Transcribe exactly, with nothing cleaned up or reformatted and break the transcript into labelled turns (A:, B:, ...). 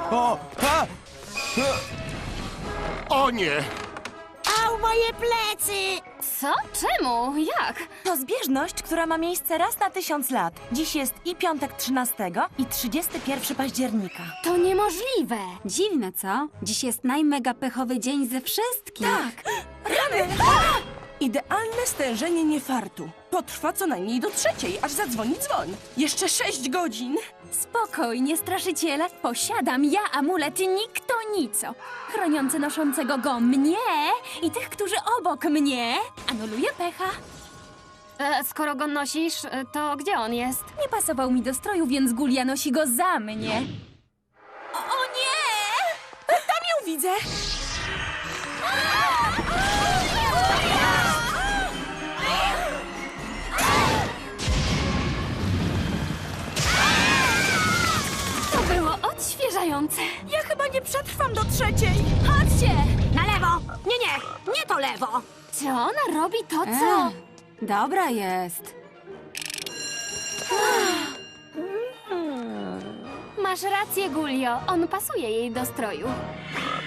A: O! A!
B: O nie!
C: Au, moje plecy!
D: Co? Czemu? Jak?
E: To zbieżność, która ma miejsce raz na tysiąc lat. Dziś jest i piątek trzynastego, i trzydziestego pierwszego października.
D: To niemożliwe.
F: Dziwne, co? Dziś jest najmega pechowy dzień ze wszystkich.
E: Tak! Rany!
G: Idealne stężenie niefartu. Potrwa co najmniej do trzeciej, aż zadzwoni dzwoń. Jeszcze sześć godzin.
H: Spokojnie, straszyciele. Posiadam ja amulet nikto nico, chroniący noszącego go mnie i tych, którzy obok mnie. Anuluję pecha.
D: E, skoro go nosisz, e, to gdzie on jest?
H: Nie pasował mi do stroju, więc Gulia nosi go za mnie. O, o nie!
G: Tam ją widzę.
D: To było odświeżające.
E: Ja chyba nie przetrwam do trzeciej.
H: Chodźcie!
C: Na lewo! Nie, nie, nie to lewo!
D: Czy ona robi to, co...
F: E, dobra jest.
D: Masz rację, Gulio. On pasuje jej do stroju.